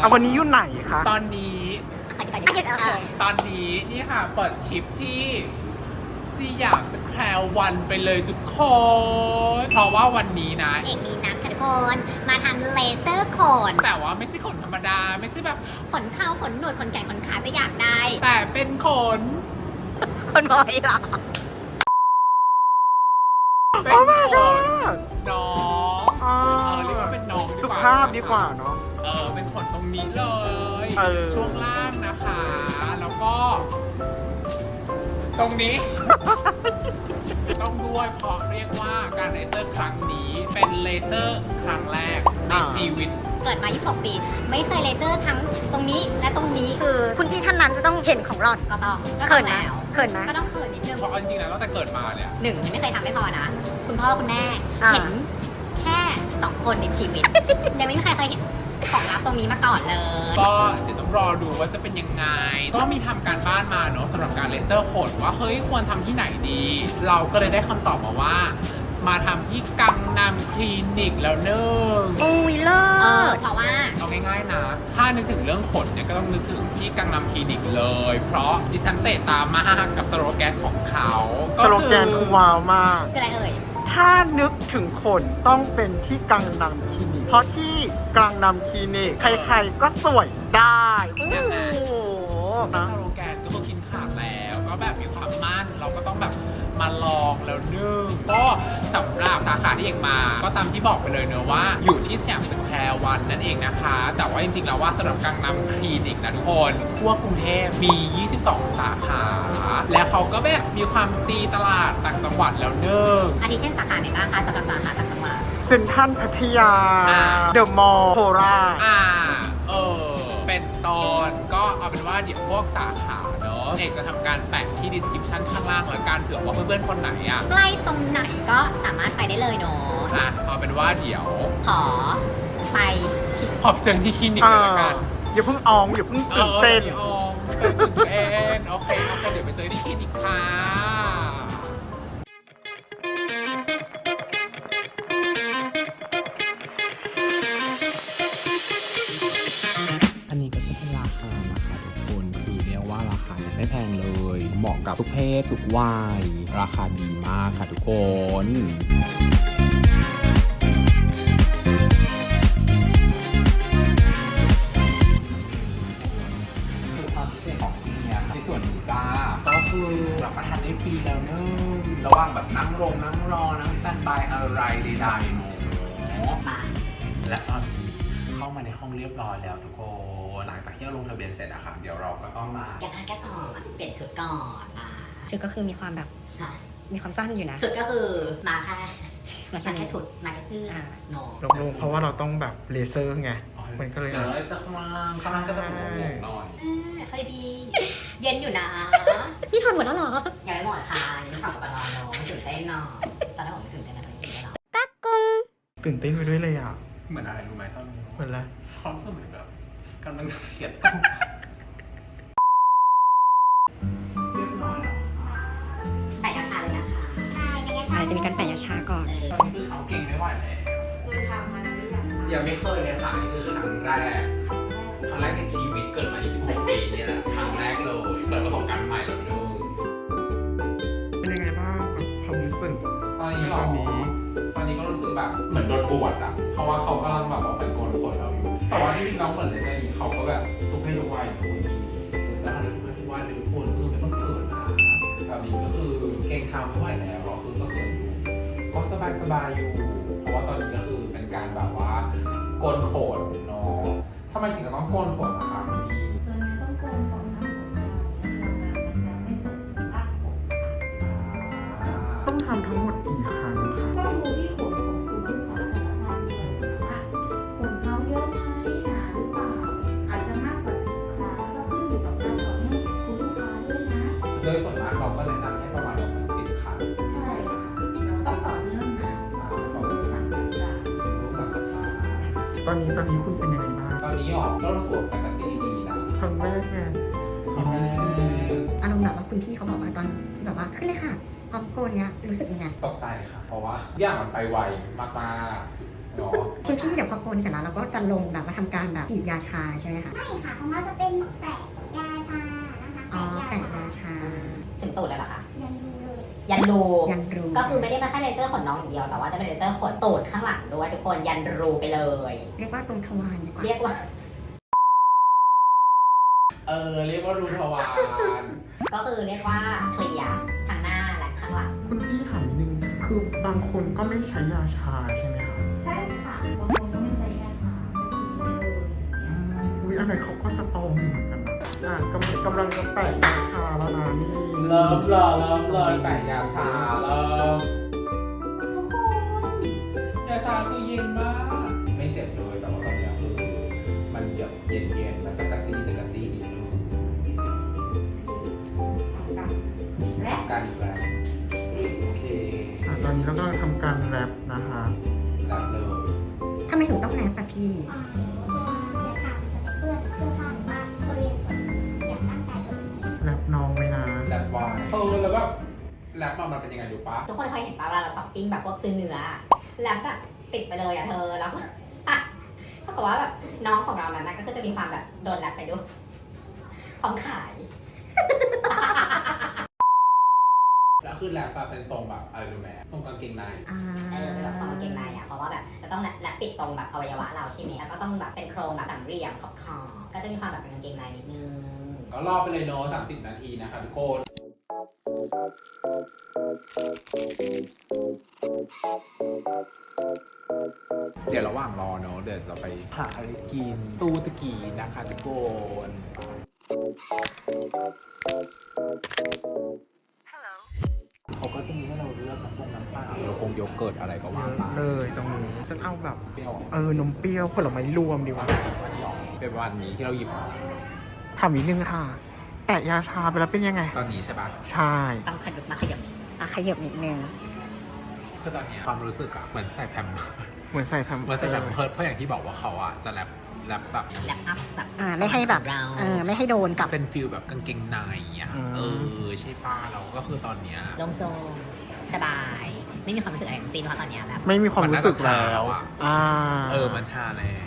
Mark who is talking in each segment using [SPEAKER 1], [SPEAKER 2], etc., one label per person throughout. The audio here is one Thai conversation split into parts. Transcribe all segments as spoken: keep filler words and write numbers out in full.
[SPEAKER 1] เอาวันนี้อยู่ไหนคะ
[SPEAKER 2] ตอนนี้ตอนนี้นี่ค่ะเปิดคลิปที่สยามสแควร์วันไปเลยทุกคนเพราะว่าวันนี้นะ
[SPEAKER 3] เอกมีนัดค่ะทุกคนมาทำเลเซอร์ขน
[SPEAKER 2] แต่ว่าไม่ใช่ขนธรรมดาไม่ใช่แบบ
[SPEAKER 3] ขนเท้าขนหนวดขนแขนขนขาจะอยากได้
[SPEAKER 2] แต่เป็นขน
[SPEAKER 3] คนบอยเหรอ
[SPEAKER 2] เป็น
[SPEAKER 1] โอ้ my
[SPEAKER 2] ขน
[SPEAKER 1] god
[SPEAKER 2] น้อง
[SPEAKER 1] อ๋อ
[SPEAKER 2] เออเรียกว่าเป็นน้องดีกว่า
[SPEAKER 1] สุภาพดีกว่าเนาะ
[SPEAKER 2] เออเป็นขนตรงนี้เลย
[SPEAKER 1] เออ
[SPEAKER 2] ช่วงล่างนะคะ แล้วก็ ตรงนี้ ต้องด้วยเพราะเรียกว่าการเลเซอร์ครั้งนี้เป็นเลเซอร์ครั้งแรกในชีวิต
[SPEAKER 3] เกิดมายี่สิบหกปี ไม่เคยเลเซอร์ทั้งตรงนี้และตรงนี้
[SPEAKER 4] คือคุณพี่ท่านนั้นจะต้องเห็นของหลอด
[SPEAKER 3] ก็ต้องก็
[SPEAKER 4] เขิ
[SPEAKER 3] ต้อน ง
[SPEAKER 4] ไหม
[SPEAKER 3] แล้ว
[SPEAKER 4] เขินไหม
[SPEAKER 3] ก็ต้องเขินนิดนึง
[SPEAKER 2] เพราะเอาจริงๆแล้วตั้งแต่เกิดมาเนี่ย
[SPEAKER 3] หนึ่งไม่เคยทำไม่พอนะ คุณพ่อคุณแม่
[SPEAKER 4] อ่า
[SPEAKER 3] เห็นแค่สองคนในชีวิต ยังไม่มีใครเคยเห็นของลับตรงนี้มาก่อนเลย
[SPEAKER 2] ก็เดี๋ยวต้องรอดูว่าจะเป็นยังไง ก็มีทำการบ้านมาเนอะสำหรับการเลเซอร์ขนว่าเฮ้ยควรทำที่ไหนดี เราก็เลยได้คำตอบมาว่า มาทำที่กังนำคลินิกแล้วเนิ่ง
[SPEAKER 4] อุ้ยเลิ
[SPEAKER 3] เออ
[SPEAKER 4] ศ
[SPEAKER 3] เพราะว่า
[SPEAKER 2] เอาง่ายๆนะ ถ้านึกถึงเรื่องขนเนี่ยก็ต้องนึกถึงที่กังนำคลินิกเลย เพราะดิฉันเตะตามมากกับสโลแกนของเขา
[SPEAKER 1] สโลแกนคือว้าวมาก
[SPEAKER 3] คืออะไรเอ่ย
[SPEAKER 1] ถ้านึกถึงขนต้องเป็นที่กังนำคลินิก เพราะที่กังนำคลินิก ใครๆก็สวยได้โอ้โห
[SPEAKER 2] ส
[SPEAKER 1] นะ
[SPEAKER 2] โลแกนก็คือกินขาดแล้ว ก็แบบมีความมั่น เราก็ต้องแบบมาลองแล้วนึ่งก็สำหรับสาขาที่เอกมา ก็ตามที่บอกไปเลยเนอะว่าอยู่ที่สยามสแควร์วันนั่นเองนะคะ แต่ว่าจริงๆแล้วว่าสำหรับกังนำคลินิกนะทุกคนทั่วกรุงเทพมี ยี่สิบสอง สาขา และเขาก็แบบมีความตีตลาดต่างจังหวัดแล้วเนิ่ง
[SPEAKER 3] อาทิเช่นสาขาไหนบ้างคะสำหรับสาขาต่างจังหวัด
[SPEAKER 1] เซ็นทรัลพัทยา
[SPEAKER 2] อ่า
[SPEAKER 1] เดอะมอลล์โคราช
[SPEAKER 2] อ่า เออ เป็นตอนก็เอาเป็นว่าเดี๋ยวพวกสาขาเนอะเอกจะทำการแปะที่ description ข้างล่างแล้วกันเผื่อว่าเพื่อนๆคนไหนอ่ะ
[SPEAKER 3] ใกล้ตรงไหนก็สามารถไปได้เลยเนาะ
[SPEAKER 2] อ่ะเอาเป็นว่าเดี๋ยว
[SPEAKER 3] ขอไปที่
[SPEAKER 2] ขอบเจอที่คลินิก
[SPEAKER 1] อ่า
[SPEAKER 2] เลยละกัน
[SPEAKER 1] อย่าเพิ่งอองอย่าเพิ่งตื่นเต้น
[SPEAKER 2] ออออตื่นเต้นโอเคโอเคเดี๋ยวไปเจอที่คลินิกค่ะอันนี้ก็จะเป็นราคานะคะทุกคนคือเรียกว่าราคาเนี่ยไม่แพงเลยเหมาะกับทุกเพศทุกวัยราคาดีมากค่ะทุกคนความพิเศษของที่นี่ในส่วนนี้จ้าก็คือรับประทานได้ฟรีแล้วเนึงระหว่างแบบนั่งลงนั่งรอนั่งสแตนบายอะไรใดๆเนาะ
[SPEAKER 3] มา
[SPEAKER 2] และตอนนี้เข้ามาในห้องเรียบร้อยแล้วทุกคนหลังจากที่เราลงทะเบียนเสร็จอะค่ะเดี๋ยวเราก็ต้องมา
[SPEAKER 3] แกะหน้าแกะก่อนเปลี่ยนชุดก่อนอ่ะ
[SPEAKER 4] ชุดก็คือมีความแบบ
[SPEAKER 3] ค่ะ
[SPEAKER 4] มีความสั้นอยู่นะ
[SPEAKER 3] ชุดก็คือมาแค่
[SPEAKER 4] มา
[SPEAKER 3] มา
[SPEAKER 4] แค่นี้
[SPEAKER 3] แค่ชุดมาแค่เสื้ออา โน
[SPEAKER 1] ลงๆเพราะว่าเราต้องแบบเลเซอร์ไง มันก็เลย
[SPEAKER 2] เดี๋ยวเราจะข้างล่างข้างล่างก็จะเป็นโหมกหน่อย
[SPEAKER 3] เออค่อยดี เย็นอยู่นะ
[SPEAKER 4] พี่ถอดหมดแล้วเหรอ
[SPEAKER 3] ยังไม่หมดค่ะยังไม่ผ่านกับนอนเนาะตื่นเต้นเนาะตอนแรกผมไม่ตื่นเต้นนะตอนนี้ตื่นเต้นแล้ว
[SPEAKER 1] ตื่นเต้นไปด้วยเลยอ่ะ
[SPEAKER 2] เหมือนอะไรรู้ไหมตอนนี้
[SPEAKER 1] เหมือนอะไร
[SPEAKER 2] ความรู้สึกเหมือนแบบกำลังจะเสียตัวเรียบร้อยแล้ว
[SPEAKER 3] แต่ยาชาเลยนะคะใช่แต่ยาชา
[SPEAKER 4] อาจจะมีการแปะยาชาก่อน
[SPEAKER 3] เออ
[SPEAKER 2] ตอนนี้คือเขาเก่งไม่ไหวแล้วคือทำมาแล้วหรือยังยังไม่เคยเลยค่ะนี่คือครั้งแรกครั้งแรกในชีวิตเกิดมายี่สิบหกปีนี่แหละครั้งแรกเลยเปิดประสบการณ์ใหม่แล้วเนอะ
[SPEAKER 1] เป็นยังไงบ้างแบบความรู้สึก
[SPEAKER 2] ตอนนี้หร
[SPEAKER 1] ต
[SPEAKER 2] อ
[SPEAKER 1] อนนี้
[SPEAKER 2] ตอนนี้ก็รู้สึกแบบเหมือนโดนบวชอะเพราะว่าเขากำลังแบบว่าเป็นโกนขนเราอยู่ แต่ว่าที่จริงเราเหมือนในใจเขาก็แบบทุกเพศทุกวัยอยู่แล้วทุกเพศทุกวัยเลยทุกคนคือไม่ต้องเขินนะแบบนี้ก็คือเก่งทำไม่ไหวแล้วก็คือก็เขินอยู่ก็สบายสบายอยู่ เพราะว่าตอนนี้ก็คือเป็นการแบบว่าโกนขนเนาะทำไมถึงต้องโกนขนนะคะพี่
[SPEAKER 5] ส่วนใหญ่ต้องโกนก่อนหน้าผมเราทำงานมันจะไม่ส่งถึงรากผมค่ะ
[SPEAKER 1] ต้องทำทั้งหมดกี่ครั้งคะ
[SPEAKER 5] ต้องดูที่ขนของคุณลูกค้าแต่ละท่านด้วยว่าขนเขาเยอะไหมหนาหรือเปล่า อาจจะมากกว่าสิบครั้งก็ขึ้นอยู่กับการต่อเนื่องคุณลูกค้าด้วยนะ
[SPEAKER 2] โดยส่วนมากเราก็แนะนำให้ประมาณแบบสิบครั้ง
[SPEAKER 5] ใช่ค่ะเราต้องต่อเนื่องนะต้องดูสั่งสัปดาห์
[SPEAKER 2] ทุกสัปดาห์
[SPEAKER 1] ตอนนี้ตอนนี้คุณเป็นยังไงบ้าง
[SPEAKER 2] ตอนนี้ออกก็รู้สึกจากกระจี้ดีนะ
[SPEAKER 1] ครั้งแรกไง
[SPEAKER 2] ครั้งแรก
[SPEAKER 4] อารมณ์แบบว่าคุณพี่เขาบอกว่าตอนที่แบบว่าขึ้นเลยค่ะพร้อมโกนเนี้ยรู้สึกยังไง
[SPEAKER 2] ตกใจค่ะ เพราะว่าอย่างมันไปไวมากๆเนาะ
[SPEAKER 4] คุณพี่เดี๋ยวพอโกนเสร็จแล้วเราก็จะลงแบบมาทำการแบบฉีดยาชาใช่ไหมคะ
[SPEAKER 6] ไม่ค่ะของเราจะเป็นแปะยาชานะคะ
[SPEAKER 4] อ๋อแปะยาชา
[SPEAKER 3] ถึงตูดเลยเหรอคะ
[SPEAKER 6] ยันดูเลย
[SPEAKER 3] ยันรู
[SPEAKER 4] ยันรู
[SPEAKER 3] ก็คือไม่ได้มาแค่เลเซอร์ขนน้องอย่างเดียว แต่ว่าจะเป็นเลเซอร์ขนตูดข้างหลังด้วยทุกคนยันรูไปเลย
[SPEAKER 4] เรียกว่าตรงทวารดีกว่า
[SPEAKER 3] เรียกว่า
[SPEAKER 2] เออเรียกว่ารูทวาร
[SPEAKER 3] ก็คือเรียกว่าเคลียร์ทั้งหน้าและข้างหลัง
[SPEAKER 1] คุณพี่ถามนิดนึง คือบางคนก็ไม่ใช้ยาชาใช่ไหมคะ
[SPEAKER 5] ใช่ค่ะบางคนก็ไม่ใช้ยาชาไม่ดีเลย
[SPEAKER 1] อืมอุ้ยอันนั้นเขาก็สตรองอยู่เหมือนกันนะ อ่ะกำลังกำลังจะแปะยาชาแล้วนะนี่
[SPEAKER 2] เริ่มเลยเริ่มเลยแต่ยาชาเริ่มทุกคนยาชาคือเย็นมาก ไม่เจ็บเลยแต่ว่าตอนนี้คือมันแบบเย็นๆมันจะกระจี้จะกระจี้นิดนึง
[SPEAKER 5] และ
[SPEAKER 2] กันแบบโอเค
[SPEAKER 1] อ่ะตอนนี้เรากำลังทำการแรปนะคะ
[SPEAKER 2] แบบเลย
[SPEAKER 4] ทำไมถึงต้องแรปอะพี่
[SPEAKER 6] อ่าตัวยาชาจะไปเปื้อนเสื้อผ้าหรือว่าบริเวณส่วนอย่างร่างกายตัวเอง
[SPEAKER 1] แรปน้องไว้นะ
[SPEAKER 2] แรปวายเออแล้วแบบแรปมามันเป็นยังไงดูปะ
[SPEAKER 3] ทุกคนเคยเห็นป่ะเวลาเราช้อปปิ้งแบบพวกซื้อเนื้อแล้วแบบติดไปเลยอะเธอแล้ว เท่ากับว่าแบบน้องของเรานั้นนะก็คือจะมีความแบบโดนแรปไปด้วยพร้อมขาย
[SPEAKER 2] แล้วคือแรปอะเป็นทรงแบบอะไรรู้ไหมทรงกางเกงใน
[SPEAKER 4] อ่า
[SPEAKER 3] เออเป็นแบบทรงกางเกงในอ่ะเพราะว่าแบบจะต้องแรปปิดตรงแบบอวัยวะเราใช่ไหมแล้วก็ต้องแบบเป็นโครงแบบสามเหลี่ยมขอบคอก็จะมีความแบบเป็นกางเกงในนิดนึง
[SPEAKER 2] ก็รอไปเลยเนาะสามสิบนาทีนะคะทุกคน เดี๋ยวระหว่างรอเนาะเดี๋ยวเราไปหาอะไรกินตู้ตะกี้นะคะทุกคนเขาก็จะมีให้เราเลือกน้ำปงน้ำเปล่าโยกงโยเกิร์ตอะไรก็ว่าไป
[SPEAKER 1] เลยตรงนี้ฉันเอาแบบ
[SPEAKER 2] เปรี้ยว
[SPEAKER 1] เออนมเปรี้ยวผลไม้รวมดีกว่า
[SPEAKER 2] เป็นวันนี้ที่เราหยิบมา
[SPEAKER 1] ถามนิดนึงค่ะ แปะยาชาไปแล้วเป็นยังไง
[SPEAKER 2] ตอนนี้ใช่ปะ
[SPEAKER 1] ใช่
[SPEAKER 3] ต้องขยับมาขยับ
[SPEAKER 4] อ่ะขยับนิดนึง
[SPEAKER 2] คือตอนเนี้ยความรู้สึกอะเหมือนใส่แพมเพิร์ส
[SPEAKER 1] เหมือนใส่แพม
[SPEAKER 2] เหมือนใส่แพมเพิร์สเพราะอย่างที่บอกว่าเขาอะจะแรปแรปแบบ
[SPEAKER 3] แรปอัพแบบ
[SPEAKER 4] อ่าไม่ให้แบบ
[SPEAKER 3] เรา
[SPEAKER 4] เออไม่ให้โดนกับ
[SPEAKER 2] เป็นฟิลแบบกางเกงในอ่ะเออใช่ป้าเราก็คือตอนเนี้ย
[SPEAKER 3] โล่งโจงสบาย ไม่มีความรู้สึกอะไรทั้งสิ้นเพราะตอนเนี้ยแบบ
[SPEAKER 1] ไม่มีความรู้สึกแล้ว
[SPEAKER 2] มันน่าจะชาแล้วอะ
[SPEAKER 1] อ่า
[SPEAKER 2] เออมันชาแล้ว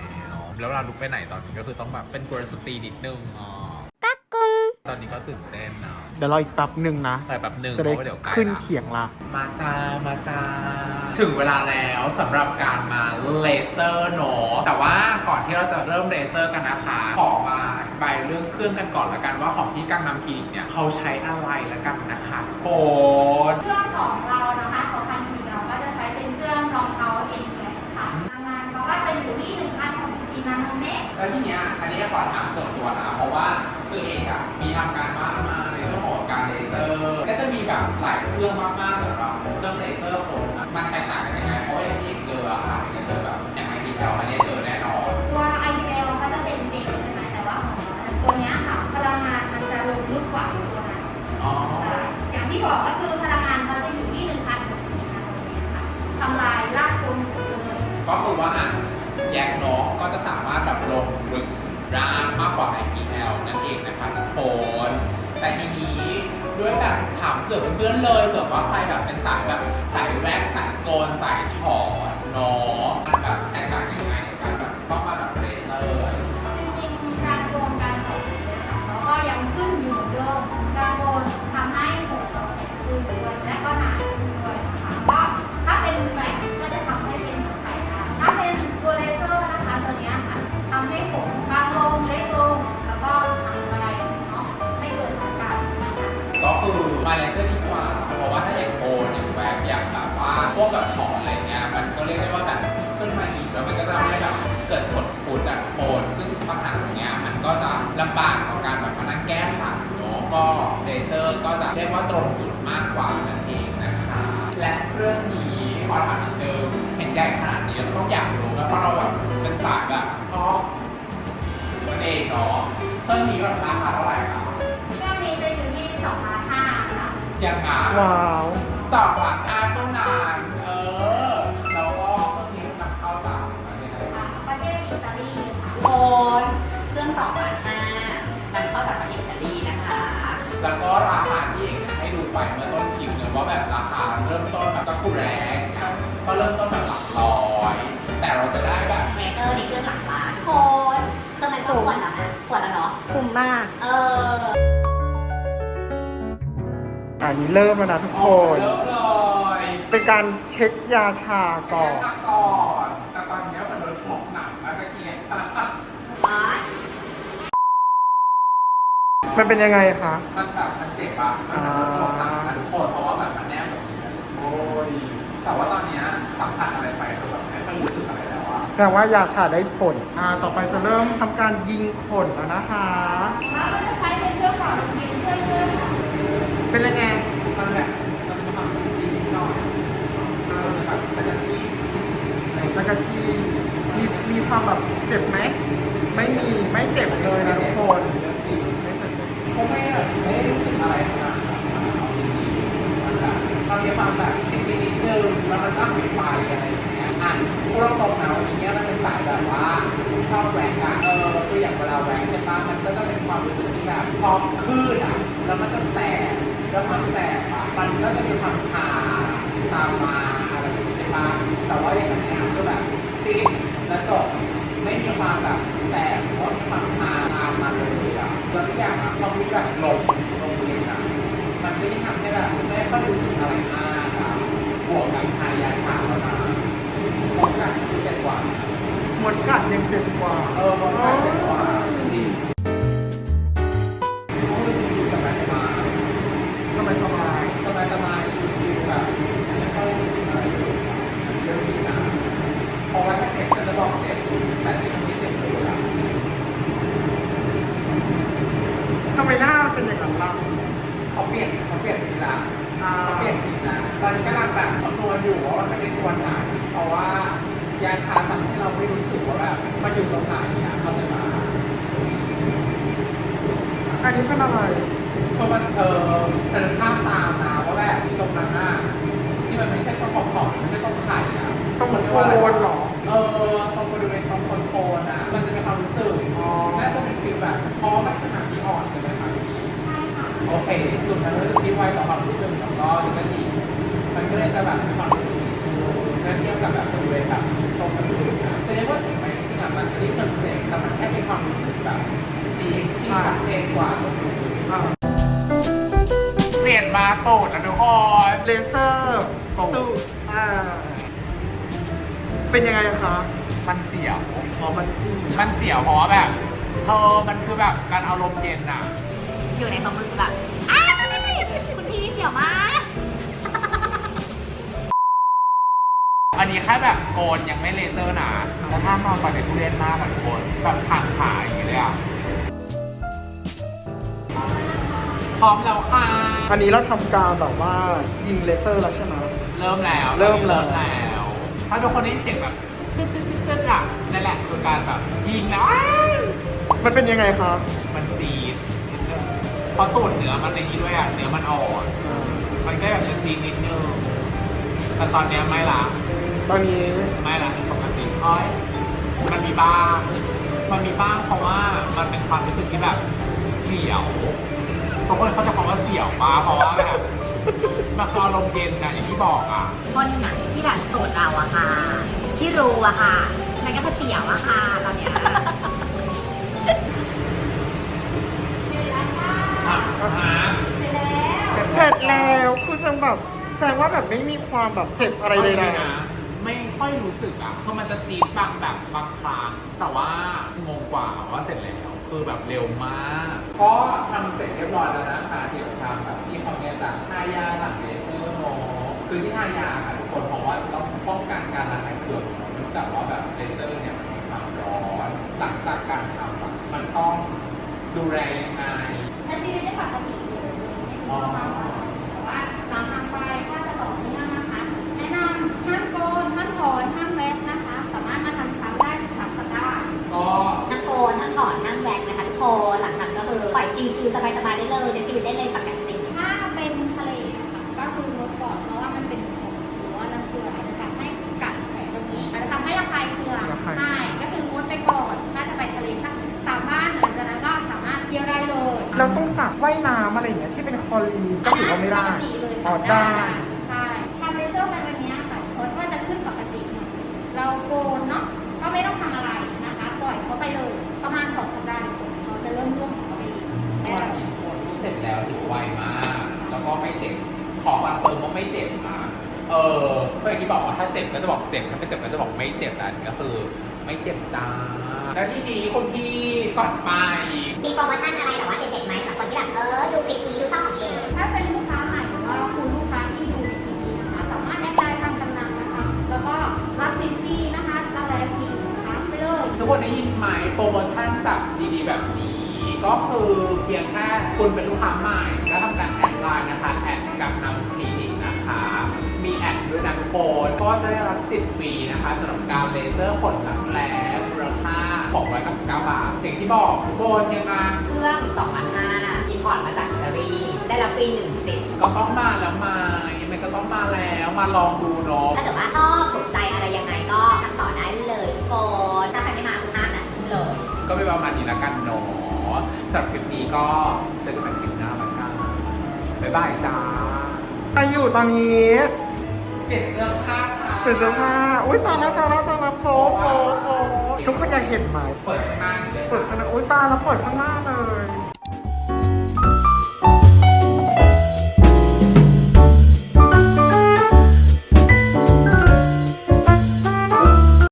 [SPEAKER 2] แล้วเราลุกไปไหนตอนนี้ก็คือต้องแบบเป็นกรสตรีนิดนึงอ๋อกักกุงตอนนี้ก็ตื่นเต้นเนาะ
[SPEAKER 1] เดี๋ยวรออีกแป๊บหนึ่งนะ
[SPEAKER 2] แต่แบบหนึ่ง
[SPEAKER 1] จะ
[SPEAKER 2] เพ
[SPEAKER 1] ได้
[SPEAKER 2] ราะว่าเดี๋ยวใกล้
[SPEAKER 1] ขึ้น
[SPEAKER 2] ละ
[SPEAKER 1] เขียงละ
[SPEAKER 2] มาจ้า มาจ้า ถึงเวลาแล้วสำหรับการมาเลเซอร์เนอะแต่ว่าก่อนที่เราจะเริ่มเลเซอร์กันนะคะ ขอมาอธิบายเรื่องเครื่องกันก่อนละกันว่าของที่กังนำคลินิกเนี่ยเขาใช้อะไรละกันนะคะโอ้
[SPEAKER 5] เครื่องของเรานะคะของทางคลินิกเราก็จะใช้เป็นเครื่องรองเท้าเอ็นแคค่ะทางงานเขาก็จะอยู่ที่หนึ่งพันหกสิบสี่นาโนเมตร
[SPEAKER 2] แล้วทีเนี้ยอันนี้ขอถามส่วนตัวนะ เพราะว่าคือเองอะมีทำการบ้านมาในเรื่องของการเลเซอร์ ก็จะมีแบบหลายเครื่องมากๆสำหรับเครื่องเลเซอร์คนอะมันแตกต่างกันยังไง เพราะว่าอย่างที่เอกเจออะค่ะเอกเจอแบบอย่างไอพีแอลอันนี้เจอแน่นอน
[SPEAKER 5] ตัว ไอ พี แอล เขาจะเป็นเจลใช่ไหมแต่ว่าของเราเนี่ยตัวเนี้ยค่ะพลังงานมันจะลงลึกกว่าตัวนั้น
[SPEAKER 2] อ๋อ
[SPEAKER 5] อย่างที่บอกก็คือพลังงานเขาจะอยู่ที่หนึ่งพันหกสิบนาโนเมตรค่ะทำลายรากโคนหมดเลย
[SPEAKER 2] ก็คือว่าอ่ะแยกนกก็จะสามารถแบบลงลึกถึงรากมากกว่า ไอ พี แอล นั่นเองนะคะทุกคน แต่ทีนี้ด้วยแบบถามเผื่อเพื่อนๆเลยเผื่อว่าใครแบบเป็นสายแบบสายแว็กซ์สายโกนสายถอนเนาะมันแบบแตกต่างยังไงในการแบบต้องมาแบบเลเซอร์อะไรอย่างเงี้ยครับ
[SPEAKER 5] จริงๆการโกนการถอนเนี่ยค่ะเราก็ยังขึ้นอยู่เหมือนเดิมการโกนทำให้ผมเราแข็งขึ้นด้วยและก็หนาขึ้นด้วยนะคะก็ถ้าเป็นแบบก็จะทำให้เป็นไข่ดาวถ้าเป็นตัวเลเซอร์นะคะตัวเนี้ยค่ะทำให้ผมบางลงเล็กลงแล้วก็ทำอะไรเนาะไม่เกิดอาการนะคะ
[SPEAKER 2] ก็คือมาเลเซอร์ดีกว่า เพราะว่าถ้าอย่างโกนอย่างแว็กซ์อย่างแบบว่าพวกแบบถอนอะไรเงี้ยมันก็เรียกได้ว่าแบบขึ้นมาอีกแล้วมันก็จะทำให้แบบเกิดผลฟูจากโคนซึ่งปัญหาตรงเนี้ยมันก็จะลำบากต่อการแบบมานั่งแก้ไขเนาะก็เลเซอร์ก็จะเรียกว่าตรงจุดมากกว่านั่นเองนะคะและเครื่องนี้ขอถามนิดนึงเห็นใหญ่ขนาดนี้เราต้องอยากรู้นะเพราะเราแบบเป็นสายแบบชอบนั่นเองเนาะเครื่องนี้แบบราคาเท่าไหร่ครับ
[SPEAKER 5] เครื่องนี้จะอยู่ที่สองพันห้าค่ะ
[SPEAKER 2] ยังไง
[SPEAKER 1] ว้าว
[SPEAKER 2] สองหลักอาเท่านั้นเออ แล้วก็เครื่องนี้นำเข้าจากประเทศอะไร
[SPEAKER 5] อ่าประเทศอิตาลีค่ะ
[SPEAKER 3] โคนเครื่องสองพันห้านำเข้าจากประเทศอิตาลีนะคะ
[SPEAKER 2] แล้วก็ราคาที่เอกเนี่ยให้ดูไปเมื่อต้นคลิปเนี่ยว่าแบบราคาเริ่มต้นแบบจักกุแรงเนี่ยก็เริ่มต้นแบบหลักร้อย แต่เรา
[SPEAKER 1] อันนี้เริ่มแล้วนะทุกคน
[SPEAKER 2] เยอะเลย
[SPEAKER 1] เป็นการเช็คยาชาก่อน
[SPEAKER 2] เช็คยาก่อนแต่ตอนนี้มันโดนของหนักแล้วตะเกียบ
[SPEAKER 1] มันเป็นยังไงคะ
[SPEAKER 2] มันแบบมันเจ็บอ่ะมันโดนของหนักนะทุกคนเพราะว่าแบบมันแนบแบบนี้โอ้ยแต่ว่าตอนนี้สัมผัสอะไรไปคือแบบไม่ค่อยรู้สึกอะไรแล้วอ่ะ
[SPEAKER 1] แสดงว่ายาชาได้ผล อ่า ต่อไปจะเริ่มทำการยิงขนแล้วนะคะ
[SPEAKER 5] แล้วก็จะใช้เป็นเครื่องเป่าลมเย็นช่วยเรื่อง
[SPEAKER 1] เป็นยังไง
[SPEAKER 2] มันแบบมันจะมีความจริงๆนิดหน่อยเออแบบแต่จะที่
[SPEAKER 1] จักรจีมีมีความแบบเจ็บไหม ไม่มี ไม่เจ็บเลยนะทุกคน
[SPEAKER 2] เขาไม่แบบไม่ได้รู้สึกอะไรขนาดนั้นเอาจริงๆมันแบบมันมีความแบบจริงๆนิดนึงแล้วมันก็หายไปอะไรอย่างเงี้ยอ่ะพูดตรงๆนะวันนี้มันเป็นสายแบบว่าชอบแหวกอ่ะเออคืออย่างเวลาแหวกใช่ปะมันก็จะเป็นความรู้สึกที่แบบพอคลื่นอ่ะแล้วมันจะแสบแล้วความแสบอ่ะมันก็จะมีความชาตามมาอะไรอย่างงี้ใช่ปะแต่ว่าอย่างเงี้ยคือแบบจี๊ดแล้วจบไม่มีความแบบแสบหรือว่ามีความชาตามมาเลยอ่ะแล้วทุกอย่างอ่ะความที่แบบหลงลงเรียนอ่ะมันก็ยิ่งทำให้แบบไม่ค่อยรู้สึกอะไรมากอ่ะบวกกับทายาชาแล้วนะหมดกันคือเจ็ดกว่า
[SPEAKER 1] หมดกัดยังเจ็บกว่า
[SPEAKER 2] เออหมดกันเจ็ดกว่าจริงโอ้ยชิวๆสบายสบาย
[SPEAKER 1] สบายสบาย
[SPEAKER 2] สบายสบายชิวๆแบบไม่ค่อยรู้สึกอะไรเลยเรื่องนี้นะเพราะว่าถ้าเจ็บก็จะบอกเจ็บแต่ในคนที่เจ็บเลยอ่ะ
[SPEAKER 1] ทำไมหน้ามันเป็นอย่างนั้นล่ะ
[SPEAKER 2] เขาเปลี่ยนเขาเปลี่ยนทีละ
[SPEAKER 1] อ่า
[SPEAKER 2] เขาเปลี่ยนทีละตอนนี้กำลังแบบคำนวณอยู่ว่ามันเป็นส่วนไหนเพราะว่ายาชาทำให้เราไม่รู้สึกว่าแบบมันอยู่ตรงไหนอ่ะเขาจะมา
[SPEAKER 1] อันนี้เป็นอะไร
[SPEAKER 2] เพราะมันเออเป็นภาพตามนะว่าแบบที่ตรงนั้นน่ะที่มันไม่ใช่ตรงขอบขอบไม่ใช่ตรงไข่อ่ะ
[SPEAKER 1] ต้องเหมือนโคนเหรอ
[SPEAKER 2] เออตรงบริเวณตรงโคนโคนอ่ะมันจะมีความรู้สึก
[SPEAKER 1] อ๋อ
[SPEAKER 2] น่าจะเป็นฟีลแบบเพราะว่ามันขนาดที่อ่อนใช่ไหมคะพี่
[SPEAKER 6] ใช่ค่ะ
[SPEAKER 2] โอเค จุดนั้นก็คือที่ไวต่อความรู้สึกแล้วก็จุดนั้นดีมันก็เลยจะแบบมีความรู้สึกดีนั่นเทียบกับแบบบริเวณแบบตรงกระดูกนะจะเรียกว่าเจ็บไหมจริงๆอ่ะมันจะได้เชิงเจ็บแต่มันแค่เป็นความรู้สึกแบบจี๊ดที่ชัดเจนกว่าตรงนู้น
[SPEAKER 1] อ่า
[SPEAKER 2] เปลี่ยนมาตูดแล้วทุกคน
[SPEAKER 1] เลเซอร์
[SPEAKER 2] ตูด
[SPEAKER 1] ตูดอ่า เป็นยังไงคะ
[SPEAKER 2] มันเสียว
[SPEAKER 1] อ๋อมันซี่
[SPEAKER 2] มันเสียวเพราะว่าแบบเธอมันคือแบบการเอาลมเย็นอ่ะ
[SPEAKER 3] อยู่ในความรู้สึกแบบอ้าวคุณพี่เสียวมาก
[SPEAKER 2] อันนี้แค่แบบโกนยังไม่เลเซอร์นะแล้วถ้านอนตอนในทุเรียนมากอะทุกคนแบบทางขาอย่างนี้เลยอ่ะพร้อมแล้วค่ะ
[SPEAKER 1] อันนี้เราทำการแบบว่ายิงเลเซอร์แล้วใช่ไหม
[SPEAKER 2] เริ่มแล้ว
[SPEAKER 1] เริ่มแล้ว
[SPEAKER 2] เริ่มแล้ว ถ้าทุกคนได้ยินเสียงแบบตึ๊ดตึ๊ดตึ๊ดตึ๊ดอ่ะนั่นแหละคือการแบบยิงแล้วอ้าว
[SPEAKER 1] มันเป็นยังไงครับ
[SPEAKER 2] มันจี๊ดนิดนึงเพราะตูดเนื้อมันในนี้ด้วยอ่ะเนื้อมันอ่อนมันก็แบบจะจี๊ดนิดนึงแต่ตอนเนี้ยไม่ละ
[SPEAKER 1] ตอนนี้
[SPEAKER 2] ไม่ละปกติอ้อยมันมีบ้าง มันมีบ้างเพราะว่ามันเป็นความรู้สึกที่แบบเสียวทุกคนเขาจะคำว่าเสียวมาเพราะว่าแบบมันคืออารมณ์เย็นนะอย่างที่บอกอ่ะ
[SPEAKER 3] คนหนังที่แบบโสดเราอะค่ะ ที่รู้อะค่ะ มันก็จะเสียวอะค่ะตอนเนี้ย
[SPEAKER 2] อ่ะฮะ
[SPEAKER 1] เสร็จแล้วคือฉันแบบแสดงว่าแบบไม่มีความแบบเจ็บอะไรเลย
[SPEAKER 2] าจ
[SPEAKER 1] นะ
[SPEAKER 2] งๆนะไม่ค่อยรู้สึกอ่ะคือมันจะจี๊ดบางแบบบางครั้งแต่ว่างงกว่าว่าเสร็จแล้วคือแบบเร็วมากก็ทำเสร็จเรียบร้อยแล้วนะคะเดี๋ยวทำแบบที่เขาเนี่ยจะทายาหลังเลเซอร์โนคือที่ทายาค่ะทุกคนเพราะว่าจะต้องป้องกันการระคายเคืองเนื่องจากว่าแบบเลเซอร์เนี่ยมันมีความร้อนหลังจากการทำอะมันต้องดูแลยังไง
[SPEAKER 5] ใช้ชีวิตได้ปกติเลยไม่มีความหวังแต่ว่าหลังทำไปถ้าจะต่อเนื่องนะคะ แนะนำห้ามโกนห้ามถอนห้ามแวะนะคะ สามารถมาทำซ้ำได้ถึงสามสัปดาห์
[SPEAKER 2] ก็
[SPEAKER 3] ทั้งโกนทั้งถอนทั้งแว็กนะคะทุกคนหลังทำก็คือปล่อยชิลๆสบายๆได้เลยใช้ชีวิตได้เลยปกติ
[SPEAKER 5] ถ้าเป็นทะเลนะคะก็คืองดก่อนเพราะว่ามันเป็นของหรือว่าน้ำเกลืออาจจะทำให้กัดแผลตรงนี้อาจจะทำให้ระคายเคือง
[SPEAKER 1] ระคาย
[SPEAKER 5] ใช่ก็คืองดไปก่อนถ้าจะไปทะเลสักสามวันหลังจากนั้นก็สามารถเที่ยวได้เลย
[SPEAKER 1] เราต้องสระว่ายน้ำอะไรอย่างเงี้ยที่เป็นคลอรีนก็ถือว่าไม่ได้
[SPEAKER 5] ปกติเลย
[SPEAKER 1] อ๋อ
[SPEAKER 5] ค่ะ
[SPEAKER 1] ได้
[SPEAKER 5] ใช่ทำเลเซอร์ไปวันนี้ค่ะโค้ดก็จะขึ้นปกติหมดเราโกนเนาะก็ไม่ต้องทำอะไรนะคะ ปล่อยเขาไปเลยประมาณสองสัปดาห์เขาจะเริ่มร่วงของเขาเอง
[SPEAKER 2] วันนี้คนที่เสร็จแล้วถือไวมาก แล้วก็ไม่เจ็บขอคอนเฟิร์มว่าไม่เจ็บนะเออเพราะอย่างที่บอกว่าถ้าเจ็บก็จะบอกเจ็บถ้าไม่เจ็บก็จะบอกไม่เจ็บแต่อันนี้ก็คือไม่เจ็บจ้าแล้วที่นี้คุณพี่ก่อนไป
[SPEAKER 6] มีโปรโมชั่นอะไรแบบว่าเด็ดๆไหมสำหรับคนที่แบบเออดูคลิปนี้ดูช่องของเอง
[SPEAKER 5] ถ้าเป็นลูกค้าใหม่หรือว่าคุณลูกค้าที่ดูในคลิปนี้นะคะ สามารถแอดไลน์ทางกำนันนะคะ แล้วก็รับสินฟรีนะคะรับอะไรฟรีนะคะไปเลย
[SPEAKER 2] ทุกคนได้ยินไหมโปรโมชั่นแบบดีๆแบบนี้ ก็คือเพียงแค่คุณเป็นลูกค้าใหม่แล้วทำการแอดไลน์นะคะแอดกับนำคลินิกนะคะ มีแอดด้วยนะทุกคนก็จะได้รับสิทธิ์ฟรีนะคะสำหรับการเลเซอร์ขนหลังแหลมมูลค่าหกร้อยเก้าสิบเก้าบาทอย่างที่บอกทุกคนยังไง
[SPEAKER 3] เครื่องสองพันห้าอินพอร์ตมาจากอิตาลีได้รับฟรีหนึ่งสิทธิ์
[SPEAKER 2] ก็ต้องมาแล้วมายังไงก็ต้องมาแล้วมาลองดูเนาะ
[SPEAKER 3] ถ้าเกิดว่าชอบถูกใจอะไรยังไงก็ทำต่อได้เลยทุกคนถ้าใครไม่มาคุณห้านะเลย
[SPEAKER 2] ก็เป็นประมาณนี้แล้วกันเนาะสำหรับคลิปนี้ก็เจอกันใหม่คลิปหน้าแล้วกันบ๊ายบายจ้า
[SPEAKER 1] ใครอยู่ตอนนี้
[SPEAKER 2] เปลี่ยนเสื้อผ้าค่ะ
[SPEAKER 1] เป็นเสื้อผ้าอุ้ยตายแล้วตายแล้วตายแล้วโฟโฟโฟทุกคนอยากเห็นไหม
[SPEAKER 2] เปิดข้างหน้าอยู่เลย
[SPEAKER 1] เปิดข้างหน้าอุ้ยตายแล้วเปิดข้างหน้านะ